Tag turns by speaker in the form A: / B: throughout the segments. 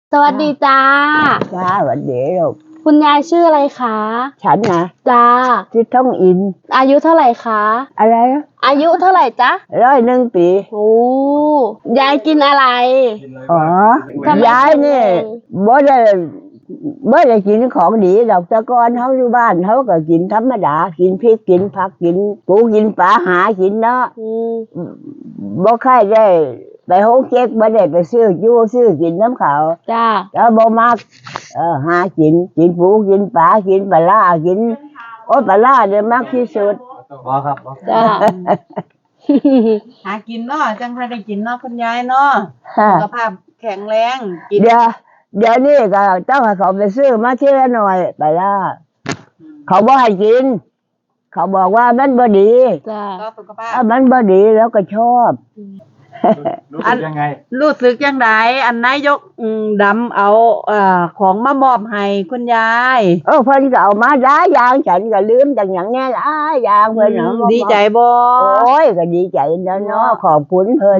A: สวัสดีจ้า
B: จ้าสวัสดีลูก
A: คุณยายชื่ออะไรคะ
B: ฉันนะ
A: จ้า
B: ชื่อท่องอิน
A: อายุเท่าไหร่คะ
B: อะไรนะ
A: อายุเท่าไหร่จ๊ะ
B: 101 ปี
A: โอ้ยายกินอะไร
B: อ๋อ
A: ทำไม
B: ยายนี่
A: แข็งแรง
B: บ่ได้กินของดีดอกแต่ก่อนเขาอยู่บ้านเขาก็กินธรรมดากินพริกกินผักกินปูกินปลาหากินเนาะบ่ค่อยได้ไปโฮงเก๊กบ่ได้ไปซื้ออยู่ซื้อกินน้ำเขา
A: จ้า
B: แล้วบ่มักหากินปูกินปลากินปลาร้ากินโอ้ปลาร้าเนี่ยมักที่สุด
C: ครับ
A: จ้า
D: หากินเนาะจังพอได้กินเนาะคุณยายเนาะสุขภาพแข็งแรงกิน
B: เดี๋ยวนี้ก็ต้องให้เขาไปซื้อมาทีละหน่อยปลาร้าเขาบ่ให้กิน เขาบอกว่ามันบ่ดี
A: จ้า
D: ก็สุขภาพ
B: ถ้ามันบ่ดีแล้วก็ชอบ
C: รู้สึกยังไง
D: รู้สึกยังไงอันนายกดำเอาของมามอบให้คุณยาย
B: เพิ่นก็เอามาด้ายางฉันก็ลืมจังหยังแน่ล่ะยางเพิ่นเนาะ
D: ดีใจบ่
B: โอ้ยก็ดีใจแล้วเนาะขอบคุณเพิ่น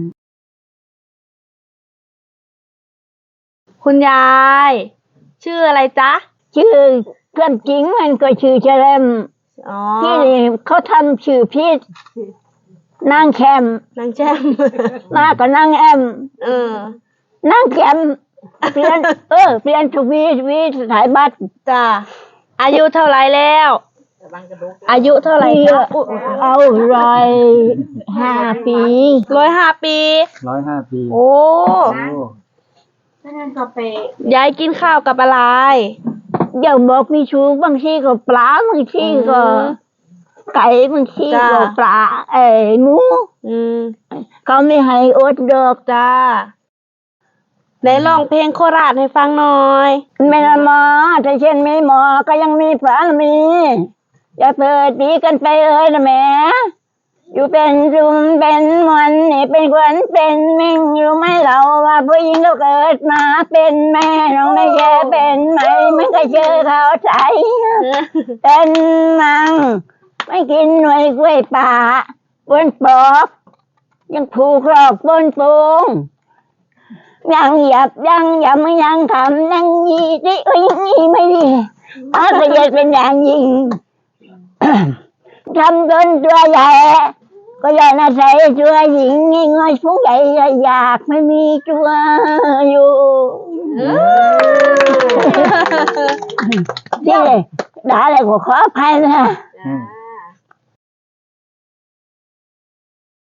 A: คุณยาย ชื่ออะไรจ๊ะ
E: ชื่อเพื่อนจริงมันก็ชื่อเฉลม
A: อ๋อ
E: พี่เขาทำชื่อพี่นางแคม
A: นางแจ้ม
E: มาก็นางแอม
A: เออน
E: างแคมเปลี่ยนเปลี่ยนทวีสายบัตร
A: จ้าอายุเท่าไหร่แล้ว อายุเท่าไหร่จ๊ะ
E: เอา105 ปี
A: 105 ปี
C: 105 ปี
A: โอ้ยายกินข้าวกับอะไร
E: อย่าบอกมีชูบางทีก็ปลาบางทีก็ไก่บางที
A: จ้า
E: ก็ปลาหมู
A: อืม
E: เขาไม่ให้อดดอก
A: จ้าได้ร้องเพลงโคราชให้ฟังหน่อย
E: ไม่ละหมอถ้าเช่นไม่หมอก็ยังมีฝามีอย่าเปิดดีกันไปนะแม่อยู่เป็นรุมเป็นมันนี่เป็นขวัญเป็นมิ่งรู้ไหมเราว่าผู้หญิงเราเกิดมาเป็นแม่น้องไม่แค่เป็นไหมไม่เคยเจอเขาใจ เป็นมังไม่กินหน่วยกล้วยป่าบนปอกยังผูกรอกบนปูงยังหยับยังทำยังยีดิยังยีไม่ดีอาก็จะเป็นอย่างยิ่ง ทำจนตัวใหญ่ก็อยากน่าใส่ตัวหญิงง่ายๆผู้ใหญ่อยากไม่มีตัวอยู่ที่ด่าอะไรก็ขออภัยนะ
C: อืม